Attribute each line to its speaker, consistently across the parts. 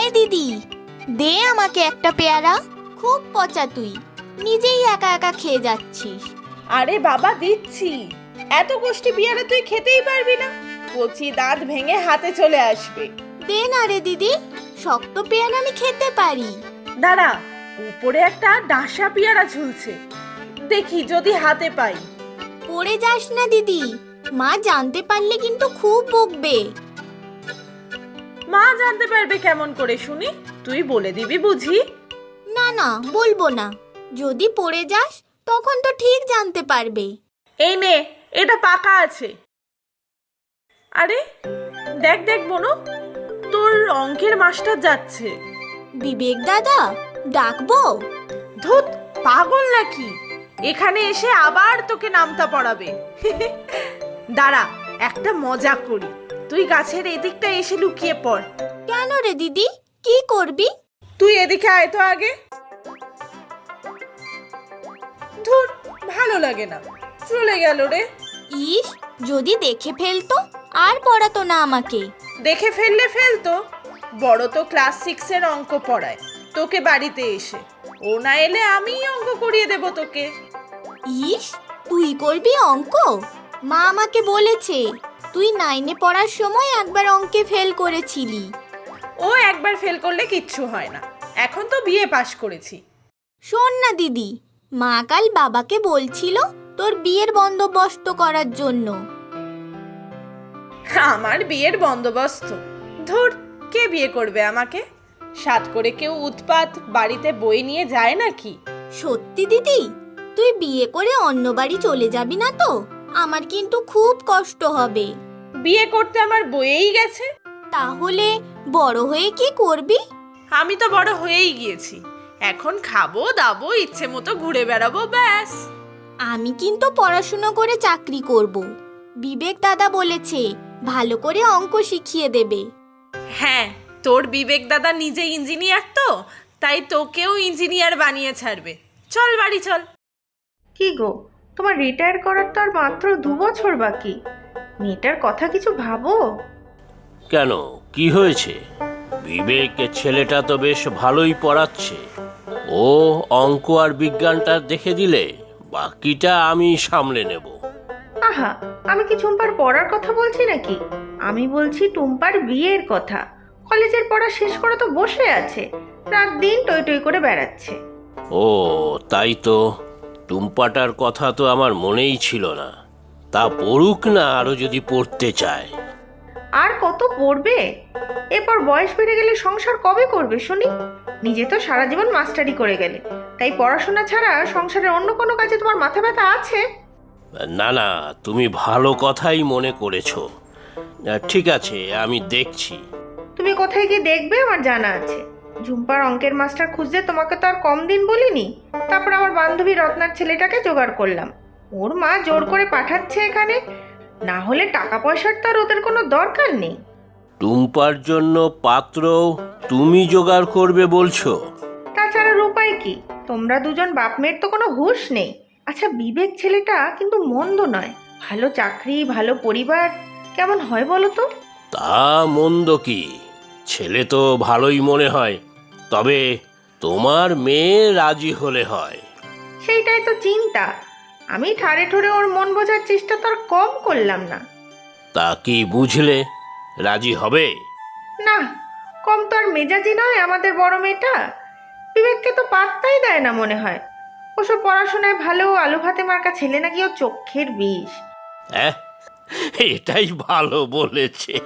Speaker 1: এই দিদি, দে আমাকে একটা পেয়ারা। খুব পচা তুই, নিজেই একা একা খেয়ে যাচ্ছিস।
Speaker 2: আরে বাবা দিচ্ছি। এত কষ্টি পেয়ারা তুই খেতেই পারবি না, কচি দাঁত ভেঙে হাতে চলে আসবে।
Speaker 1: দে না রে দিদি, শক্ত পেয়ারা আমি খেতে পারি।
Speaker 2: দাঁড়া, উপরে একটা ডাসা পেয়ারা ঝুলছে, দেখি যদি হাতে পাই।
Speaker 1: পড়ে যাস না দিদি, মা জানতে পারলে কিন্তু খুব বকবে।
Speaker 2: মা জানতে পারবে কেমন করে শুনি? তুই বলে দিবি বুঝি?
Speaker 1: না না, বলবো না। যদি পড়ে যাস তখন তো ঠিক জানতে পারবে।
Speaker 2: এই নে, এটা পাকা আছে। আরে দেখ দেখ বোনো, তোর অঙ্কের মাস্টার যাচ্ছে।
Speaker 1: বিবেক দাদা, ডাকবো?
Speaker 2: ধুত, পাগল নাকি? এখানে এসে আবার তোকে নামতা পড়াবে। দাঁড়া, একটা মজা করি। তুই গাছের এদিকটা এসে লুকিয়ে পড়।
Speaker 1: কেন রে দিদি, কি করবি?
Speaker 2: তুই এদিকে আয় তো আগে। ধুর, ভালো লাগে না, চলে গেল রে।
Speaker 1: ইস, যদি দেখে ফেলতো আর পড়াতো না আমাকে।
Speaker 2: দেখে ফেললে ফেলতো, বড় তো ক্লাস 6-এর অঙ্ক পড়ায় তোকে বাড়িতে এসে। ও না এলে আমিই অঙ্ক করিয়ে দেব তোকে।
Speaker 1: ইস, তুই করবি অঙ্ক? মা আমাকে বলেছে তুই 9-এ পড়ার সময় একবার অঙ্কে ফেল করেছিলি।
Speaker 2: ও একবার ফেল করলে কিচ্ছু হয় না, এখন তো বিএ পাশ করেছি।
Speaker 1: শোন না দিদি, মা কাল বাবাকে বলছিল তোর বিয়ের বন্দোবস্ত করার জন্য।
Speaker 2: আমার বিয়ের বন্দোবস্ত? ধুর, কে বিয়ে করবে আমাকে? সাত করে কেউ উৎপাত বাড়িতে বই নিয়ে যায় নাকি?
Speaker 1: সত্যি দিদি, তুই বিয়ে করে অন্য বাড়ি চলে যাবি না তো? আমার কিন্তু খুব কষ্ট হবে।
Speaker 2: বিয়ে করতে আমার বইয়েই গেছে।
Speaker 1: তাহলে বড় হয়ে কি করবি?
Speaker 2: আমি তো বড় হয়েই গিয়েছি, এখন খাবো দাবো, ইচ্ছে মতো ঘুরে বেড়াবো, ব্যাস।
Speaker 1: আমি কিন্তু পড়াশুনো করে চাকরি করব। বিবেক দাদা বলেছে ভালো করে অঙ্ক শিখিয়ে দেবে।
Speaker 2: হ্যাঁ, তোর বিবেক দাদা নিজে ইঞ্জিনিয়ার তো, তাই তোকেও ইঞ্জিনিয়ার বানিয়ে ছাড়বে। চল বাড়ি চল।
Speaker 3: কি গো, তোমার রিটায়ার করার তো আর মাত্র 2 বছর বাকি। মেয়েটার কথা কিছু ভাবো।
Speaker 4: কেন, কি হয়েছে? বিবেকের ছেলেটা তো বেশ ভালোই পড়াচ্ছে। ও অঙ্ক আর বিজ্ঞানটা দেখে দিলে বাকিটা আমি সামলে নেব।
Speaker 3: আহা, আমি কি টুম্পার পড়ার কথা বলছি নাকি? আমি বলছি টুম্পার বিয়ের কথা। কলেজের পড়া শেষ করে তো বসে আছে, রাত দিন টই টই করে বেড়াচ্ছে।
Speaker 4: ও তাই তো, টুম্পাটার কথা তো আমার মনেই ছিল না। তা পড়ুক না, আরো যদি পড়তে চায়।
Speaker 3: আর কত পড়বে? এরপর বয়স বেড়ে গেলে সংসার কবে করবে শুনি? নিজে তো সারা জীবন মাস্টারি করে গেলে, তাই পড়াশোনা ছাড়া সংসারের অন্য কোনো কাজে তোমার মাথা ব্যথা আছে?
Speaker 4: না না, তুমি ভালো কথাই মনে করেছো। ঠিক আছে, আমি দেখছি।
Speaker 3: তুমি কোথায় গিয়ে দেখবে আমার জানা আছে। ঝুম্পার অঙ্কের মাস্টার খুঁজতে তোমাকে তো আর কম দিন বলিনি। তারপর আমার বান্ধবী রত্নার ছেলেটাকে জোগাড় করলাম, ওর মা জোর করে পাঠাচ্ছে এখানে। না হলে টাকা পয়সার তো আর ওদের কোনো দরকার নেই।
Speaker 4: টুম্পার জন্য পাত্র তুমি জোগাড় করবে বলছো?
Speaker 3: তাছাড়া উপায় কি? তোমরা দুজন বাপ মেয়ের তো কোনো হুঁশ নেই। আচ্ছা, বিবেক ছেলেটা কিন্তু মন্দ নয়, ভালো চাকরি, ভালো পরিবার, কেমন হয় বলো তো?
Speaker 4: তা মন্দ কি, ছেলে তো ভালোই মনে হয়। তবে তোমার মেয়ে রাজি হলে হয়।
Speaker 3: সেইটাই তো চিন্তা। আমি ঠাড়ে ঠুড়ে ওর মন বোঝার চেষ্টা তো আর কম করলাম না।
Speaker 4: তা কি বুঝলে, রাজি হবে?
Speaker 3: না, কম তো আর মেজাজি নয় আমাদের বড় মেয়েটা। বিবেককে তো পাত্তাই দেয় না মনে হয়। ওসব পড়াশোনায় ভালো আলু ভাতে মার্কা ছেলে নাকি ও চোখের বিষ।
Speaker 4: হ্যাঁ, এটাই ভালো বলেছে।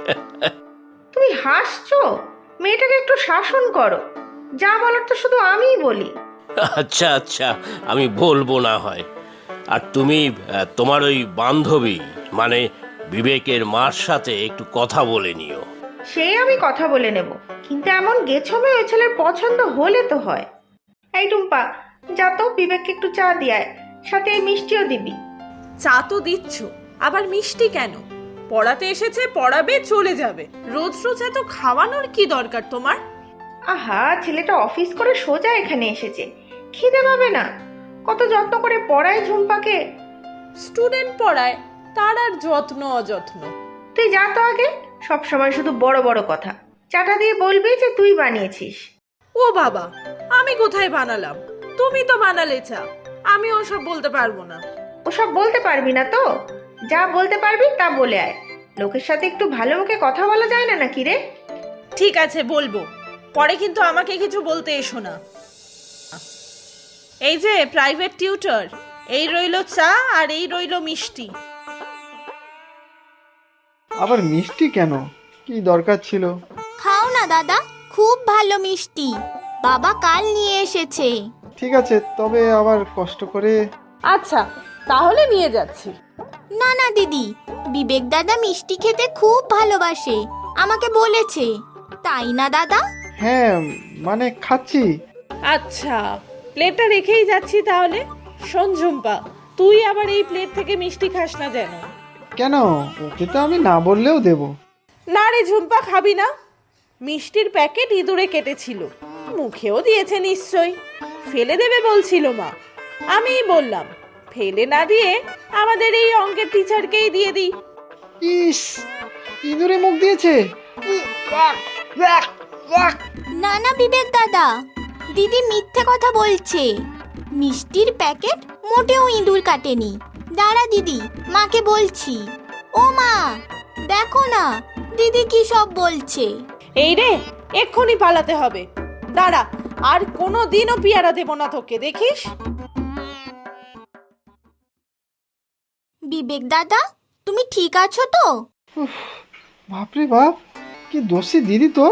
Speaker 3: তুমি হাসছো? মেয়েটাকে একটু শাসন করো। যা বলার তো শুধু আমিই বলি।
Speaker 4: আচ্ছা আচ্ছা, আমি বলবো না হয়। আর তুমি তোমার ওই বান্ধবী মানে বিবেকের মার সাথে একটু কথা বলে নিও।
Speaker 3: সে আমি কথা বলে নেব, কিন্তু এমন গেছবে ওই ছেলের পছন্দ হলে তো হয়। এই টুম্পা, যা তো বিবেককে একটু চা দিয়ায়, সাথে এই মিষ্টিও দিবি।
Speaker 2: চা তো দিচ্ছ, আবার মিষ্টি কেন? পড়াতে এসেছে, পড়াবে, চলে যাবে। রোজ রোজ এত খাওয়ানোর কি দরকার তোমার?
Speaker 3: আহা, ছেলেটা অফিস করে সোজা এখানে এসেছে, খিদে পাবে না? কত যত্ন করে পড়ায় ঝুম্পাকে।
Speaker 2: স্টুডেন্ট পড়ায়, তার আর যত্ন অযত্ন।
Speaker 3: তুই যা তো আগে, সব সময় শুধু বড় বড় কথা। চাটা দিয়ে বলবি যে তুই বানিয়েছিস।
Speaker 2: ও বাবা, আমি কোথায় বানালাম? তুমি তো বানালে চা। আমি ওসব বলতে পারবো না।
Speaker 3: ওসব বলতে পারবি না তো? যা বলতে পারবি তা বলে আয়। লোকের সাথে একটু ভালো মুখে কথা বলা যায় না নাকি রে?
Speaker 2: ঠিক আছে, বলবো। পরে কিন্তু আমাকে কিছু বলতে এসো না। এই যে প্রাইভেট টিউটর, এই রইলো চা আর এই রইলো মিষ্টি।
Speaker 5: আবার মিষ্টি কেন? কি দরকার ছিল?
Speaker 1: খাও না দাদা, খুব ভালো মিষ্টি, বাবা কাল নিয়ে এসেছে।
Speaker 5: ঠিক আছে, তবে আবার কষ্ট করে।
Speaker 2: আচ্ছা, তাহলে নিয়ে যাচ্ছি।
Speaker 1: না না দিদি, বিবেক দাদা মিষ্টি খেতে খুব ভালোবাসে, আমাকে বলেছে। তাই না দাদা?
Speaker 5: হ্যাঁ, মানে খাচ্ছি।
Speaker 2: আচ্ছা, প্লেটটা রেখেই যাচ্ছি তাহলে। শোন ঝুম্পা, তুই আবার এই প্লেট থেকে মিষ্টি খাস না যেন।
Speaker 5: কেন? ওকে তো আমি না বললেও দেব।
Speaker 2: না রে ঝুম্পা, খাবি না? মিষ্টির প্যাকেট ইঁদুরে কেটেছিল, মুখেও দিয়েছে নিশ্চয়ই। ফেলে দেবে বলছিল মা। আমিই বললাম ফেলে না দিয়ে আমাদের এই অঙ্কের টিচারকেই দিয়ে দিই।
Speaker 5: ইস, ইঁদুরে মুখ দিয়েছে।
Speaker 1: না না বিবেক দাদা, দিদি মিথ্যে কথা বলছে। মিষ্টির প্যাকেট মোটেও ইঁদুর কাটেনি। দাঁড়া দিদি, মাকে বলছি। ও মা, দেখো না দিদি কি সব বলছে।
Speaker 2: এই রে, এক্ষুনি পালাতে হবে। দাঁড়া, আর কোনো দিনও পেয়ারা দেব না তোকে, দেখিস।
Speaker 1: বিবেক দাদা, তুমি ঠিক আছো তো?
Speaker 5: বাপরে বাপ, কি দোষী দিদি তোর।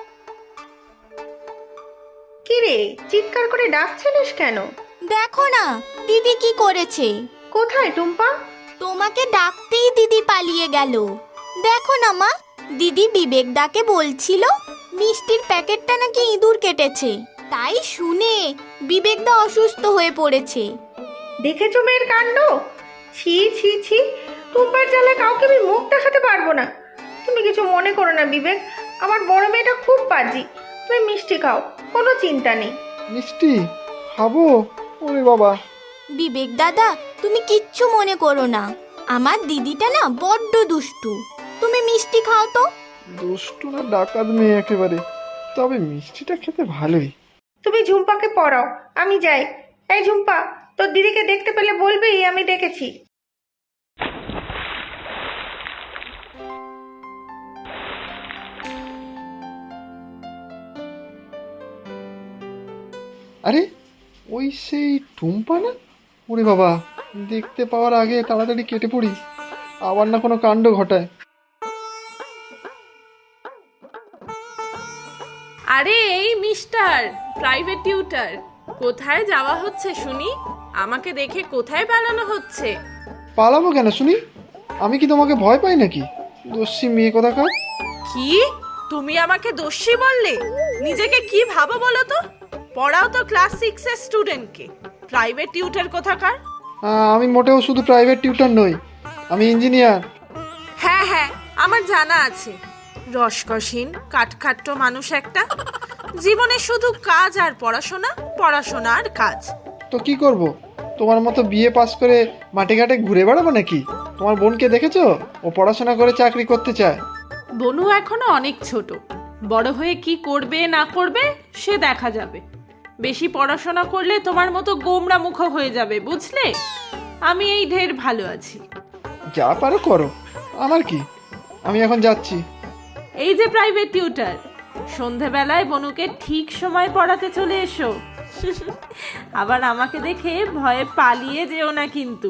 Speaker 3: কি রে, চিৎকার করে ডাকছিলিস কেন?
Speaker 1: দেখো না দিদি কি করেছে।
Speaker 3: কোথায় টুম্পা?
Speaker 1: তোমাকে ডাকতেই দিদি পালিয়ে গেল। দেখো না মা, দিদি বিবেক দাকে বলছিল মিষ্টির প্যাকেটটা নাকি ইঁদুর কেটেছে, তাই শুনে বিবেক দা অসুস্থ হয়ে পড়েছে।
Speaker 3: দেখেছো মেয়ের কাণ্ড? ছি ছি ছি, টুম্পার জ্বালায় কাউকে আমি মুখ দেখাতে পারবো না। তুমি কিছু মনে করো না বিবেক, আমার বড় মেয়েটা খুব বাজি। তুমি মিষ্টি খাও, কোনো চিন্তা নেই।
Speaker 5: মিষ্টি খাবো? ওরে বাবা।
Speaker 1: বিবেক দাদা, তুমি কিচ্ছু মনে করো না, আমার দিদিটা না বড্ড দুষ্টু। তুমি মিষ্টি খাও তো।
Speaker 5: দুষ্টু না ডাকাত মেয়ে একেবারে, তবে মিষ্টিটা খেতে ভালোই।
Speaker 3: তুমি ঝুম্পাকে পড়াও, আমি যাই। এই ঝুম্পা, তোর দিদিকে দেখতে পেলে বলবি আমি ডেকেছি।
Speaker 5: আরে, ওই সেই টুম্পা না? ওরে বাবা, দেখতে পাওয়ার আগে তাড়াতাড়ি কেটে পড়ি, আবার না কোনো কাণ্ড ঘটায়।
Speaker 2: আরে এই মিস্টার প্রাইভেট টিউটর, কোথায় যাওয়া হচ্ছে শুনি? আমাকে দেখে কোথায় পালানো হচ্ছে?
Speaker 5: পালাবো কেন শুনি? আমি কি তোমাকে ভয় পাই নাকি? দস্যি মেয়ে কোথাকার।
Speaker 2: কি, তুমি আমাকে দোষী বললে? নিজেকে কি ভাবো বলো তো? পড়াও তো ক্লাস 6 এর স্টুডেন্টকে, প্রাইভেট টিউটর কোথাকার?
Speaker 5: আমি মোটেও শুধু প্রাইভেট টিউটর নই, আমি ইঞ্জিনিয়ার।
Speaker 2: হ্যাঁ হ্যাঁ, আমার জানা আছে। রসকসীন কাঠখাট্ট মানুষ একটা, জীবনে শুধু কাজ আর পড়াশোনা, পড়াশোনা আর কাজ।
Speaker 5: তো কি করব? তোমার মতো বিএ পাস করে মাঠে ঘাটে ঘুরে বেড়াবো নাকি? তোমার বোনকে দেখেছো? ও পড়াশোনা করে চাকরি করতে চায়।
Speaker 2: বনু এখনো অনেক ছোট, বড় হয়ে কি করবে না করবে সে দেখা যাবে। বেশি পড়াশোনা করলে তোমার মতো গোমরা মুখ হয়ে যাবে, বুঝলে? আমি এই ঢের ভালো আছি।
Speaker 5: যা পারো করো, আমার কি, আমি এখন যাচ্ছি।
Speaker 2: এই যে প্রাইভেট টিউটর, সন্ধেবেলায় বনুকে ঠিক সময় পড়াতে চলে এসো। আবার আমাকে দেখে ভয়ে পালিয়ে যেও না কিন্তু।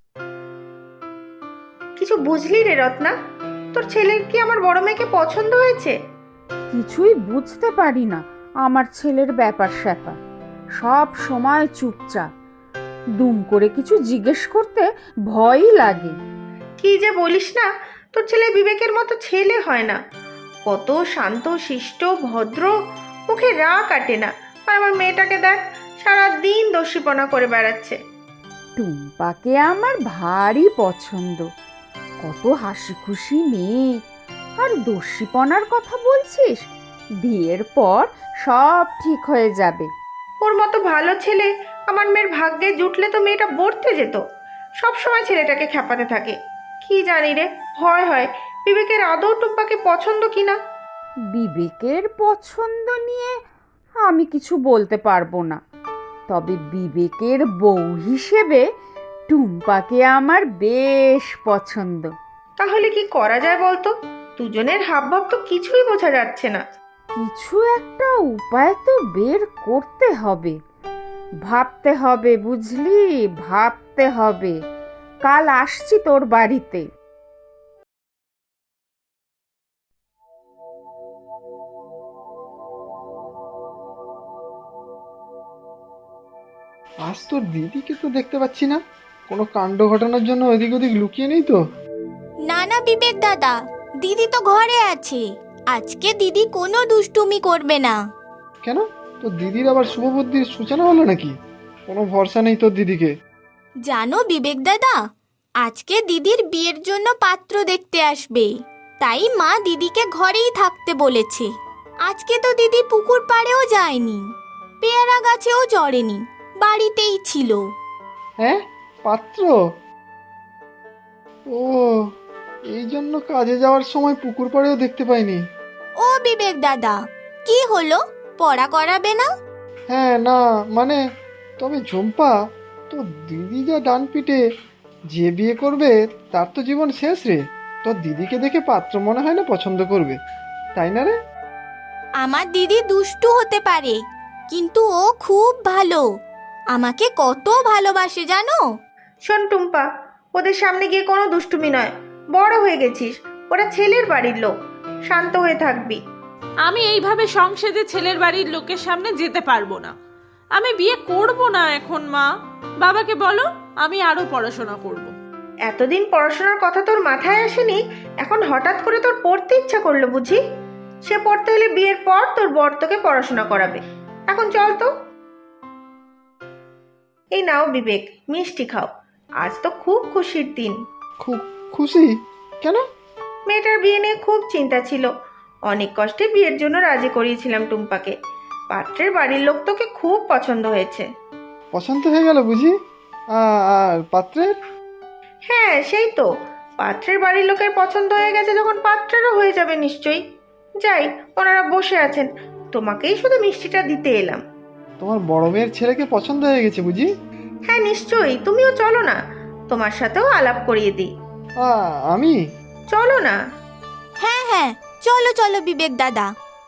Speaker 3: কিছু বুঝলি রে রত্না? তোর ছেলের কি আমার বড় মেয়েকে পছন্দ হয়েছে?
Speaker 6: কিছুই বুঝতে পারি না আমার ছেলের ব্যাপার স্যাপার, সব সময় চুপচাপ, দুম করে কিছু জিজ্ঞেস করতে ভয়ই লাগে।
Speaker 3: কি যে বলিস না, তোর ছেলে বিবেকের মতো ছেলে হয় না। কত শান্ত শিষ্ট ভদ্র, মুখে রাগ কাটে না। আর আমার মেয়েটাকে দেখ, সারাদিন দস্যিপনা করে বেড়াচ্ছে।
Speaker 6: টুম্পাকে আমার ভারী পছন্দ, কত হাসি খুশি মেয়ে। আর দস্যিপনার কথা বলছিস? বিয়ের পর সব ঠিক হয়ে যাবে।
Speaker 3: ওর মতো ভালো ছেলে আমার মেয়ের ভাগ্যে জুটলে তো মেয়েটা বর্তে যেত। সব সময় ছেলেটাকে খেপাতে থাকে। কি জানি রে, ভয় হয় বিবেকের আদৌ টুম্পাকে পছন্দ কিনা।
Speaker 6: বিবেকের পছন্দ নিয়ে আমি কিছু বলতে পারবো না, তবে বিবেকের বউ হিসেবে টুম্পাকে আমার বেশ পছন্দ।
Speaker 3: তাহলে কি করা যায় বলতো? দুজনের হাবভাব তো কিছুই বোঝা যাচ্ছে না।
Speaker 6: কিছু একটা উপায় তো বের করতে হবে, ভাবতে হবে, বুঝলি, ভাবতে হবে। কাল আসছি তোর বাড়িতে।
Speaker 5: আজ তোর দিদিকে তো দেখতে পাচ্ছি না, কোনো কাণ্ড ঘটানোর জন্য এদিক ওদিক লুকিয়ে নেই তো?
Speaker 1: না না বিবেক দাদা, দিদি তো ঘরে আছে। আজকে দিদি কোনো দুষ্টুমি করবে না।
Speaker 5: কেন, তোর দিদির আবার শুভবুদ্ধির সূচনা হলো নাকি? কোনো ভরসা নেই তোর দিদিকে।
Speaker 1: জানো বিবেক দাদা, আজকে দিদির বিয়ের জন্য পাত্র দেখতে আসবে, তাই মা দিদিকে ঘরেই থাকতে বলেছে। আজকে তো দিদি পুকুর পাড়েও যায়নি, পেয়ারা গাছেও চড়েনি, বাড়িতেই ছিল।
Speaker 5: হ্যাঁ, পাত্র? ও, এই জন্য কাজে যাওয়ার সময় পুকুর পাড়েও দেখতে পাইনি।
Speaker 1: ও বিবেক দাদা, কি হলো, পড়া করাবে না?
Speaker 5: হ্যাঁ, না মানে, তবে ঝুম্পা, তোর দিদি যা ডান পিটে, যে বিয়ে করবে তার তো জীবন শেষ রে। তোর দিদিকে দেখে পাত্র মনে হয় না পছন্দ করবে, তাই না রে?
Speaker 1: আমার দিদি দুষ্টু হতে পারে, কিন্তু ও খুব ভালো, আমাকে কত ভালোবাসে জানো।
Speaker 3: শোন টুম্পা, ওদের সামনে গিয়ে কোনো দুষ্টুমি নয়। বড় হয়ে গেছিস, ওরা ছেলের বাড়ির লোক, শান্ত হয়ে থাকবি।
Speaker 2: আমি এইভাবে সংসদে ছেলের বাড়ির লোকের সামনে যেতে পারবো না। আমি বিয়ে করব না এখন মা। বাবাকে বলো আমি আরো পড়াশোনা করব।
Speaker 3: এতদিন পড়াশোনার কথা তোর মাথায় আসেনি, এখন হঠাৎ করে তোর পড়তে ইচ্ছা করলো বুঝি? সে পড়তে হলে বিয়ের পর তোর বর তোকে পড়াশোনা করাবে। এখন চল তো। এই নাও বিবেক, মিষ্টি খাও। আজ তো খুব খুশির দিন।
Speaker 5: খুব খুশি? কেন?
Speaker 3: মেয়েটার বিয়ে নিয়ে খুব চিন্তা ছিল, অনেক কষ্টে বিয়ের জন্য রাজি করিয়েছিলাম টুম্পাকে। পাত্রের বাড়ির লোক তোকে খুব পছন্দ হয়েছে।
Speaker 5: পছন্দ হয়ে গেল বুঝি? আর পাত্রের?
Speaker 3: হ্যাঁ সেই তো, পাত্রের বাড়ির লোকের পছন্দ হয়ে গেছে যখন পাত্রেরও হয়ে যাবে নিশ্চয়ই। যাই, ওনারা বসে আছেন, তোমাকেই শুধু মিষ্টিটা দিতে এলাম।
Speaker 5: তোমার বড় মেয়ের ছেলেকে পছন্দ হয়ে গেছে বুঝি?
Speaker 3: হ্যাঁ নিশ্চয়ই, তুমিও চলো না, তোমার সাথেও আলাপ করিয়ে দিই।
Speaker 5: আমি?
Speaker 3: চলো না।
Speaker 1: হ্যাঁ হ্যাঁ, চলো চলো বিবেক দাদা।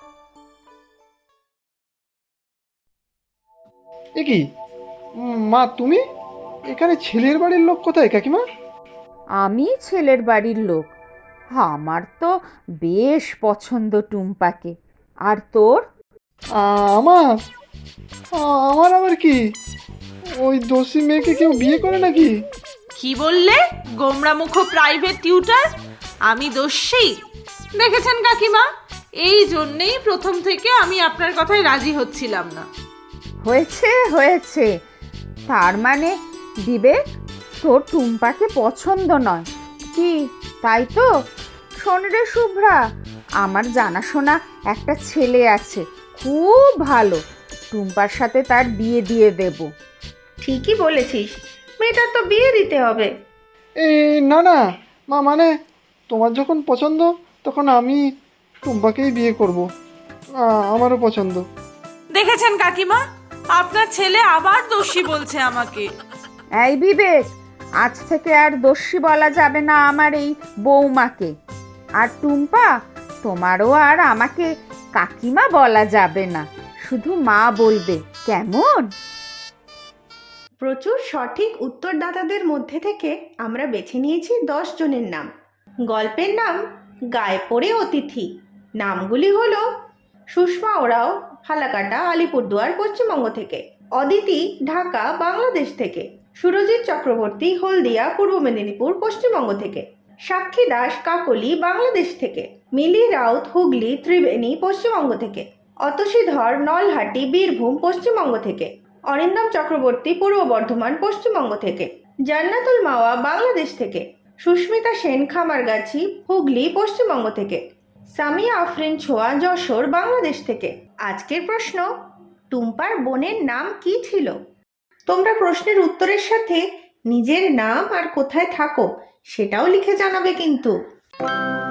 Speaker 5: এ কি মা, তুমি এখানে? ছেলের বাড়ির লোক কোথায় কাকিমা?
Speaker 6: আমি ছেলের বাড়ির লোক, আমার তো বেশ পছন্দ টুম্পাকে। আর তোর?
Speaker 5: আমার আমার আবার কি? ওই দোষী মেয়েকে কেউ বিয়ে করে নাকি?
Speaker 2: কি বললে? গোমরামুখ প্রাইভেট টিউটার? আমি দোষী? দেখেছেন কাকিমা, এই জন্যেই প্রথম থেকে আমি আপনার কথায় রাজি হচ্ছিলাম না।
Speaker 6: হয়েছে হয়েছে, তার মানে বিবেক তোর টুম্পাকে পছন্দ নয় কি, তাই তো? শোন রে শুভ্রা, আমার জানাশোনা একটা ছেলে আছে, খুব ভালো, টুম্পার সাথে তার বিয়ে দিয়ে দেব।
Speaker 3: ঠিকই বলেছিস, মেয়েটার তো বিয়ে দিতে হবে।
Speaker 5: এই না না মা, মানে তোমার যখন পছন্দ তখন আমি টুম্পাকেই বিয়ে করব। আমারও পছন্দ।
Speaker 2: দেখেছেন কাকিমা, আপনার ছেলে আবার দোষী বলছে আমাকে।
Speaker 6: এই বিবেক, আজ থেকে আর দোষী বলা যাবে না আমার এই বৌমাকে। আর টুম্পা, তোমারও আর আমাকে কাকিমা বলা যাবে না, শুধু মা বলবে, কেমন?
Speaker 3: প্রচুর সঠিক উত্তরদাতাদের মধ্যে থেকে আমরা বেছে নিয়েছি 10 জনের নাম। গল্পের নাম গায়ে পড়ে অতিথি। নামগুলি হলো সুষমা ওরাও, ফালাকাটা, আলিপুরদুয়ার, পশ্চিমবঙ্গ থেকে; অদিতি, ঢাকা, বাংলাদেশ থেকে; সুরজিৎ চক্রবর্তী, হলদিয়া, পূর্ব মেদিনীপুর, পশ্চিমবঙ্গ থেকে; সাক্ষী দাস, কাকলি, বাংলাদেশ থেকে; মিলি রাউত, হুগলি, ত্রিবেণী, পশ্চিমবঙ্গ থেকে; অতসী ধর, নলহাটি, বীরভূম, পশ্চিমবঙ্গ থেকে; অরিন্দম চক্রবর্তী, পূর্ব বর্ধমান, পশ্চিমবঙ্গ থেকে; জান্নাতুল মাওয়া, বাংলাদেশ থেকে; সুস্মিতা সেন, খামারগাছি, হুগলি, পশ্চিমবঙ্গ থেকে; সামিয়া আফরিন ছোয়া, যশোর, বাংলাদেশ থেকে। আজকের প্রশ্ন, টুম্পার বোনের নাম কি ছিল? তোমরা প্রশ্নের উত্তরের সাথে নিজের নাম আর কোথায় থাকো সেটাও লিখে জানাবে কিন্তু।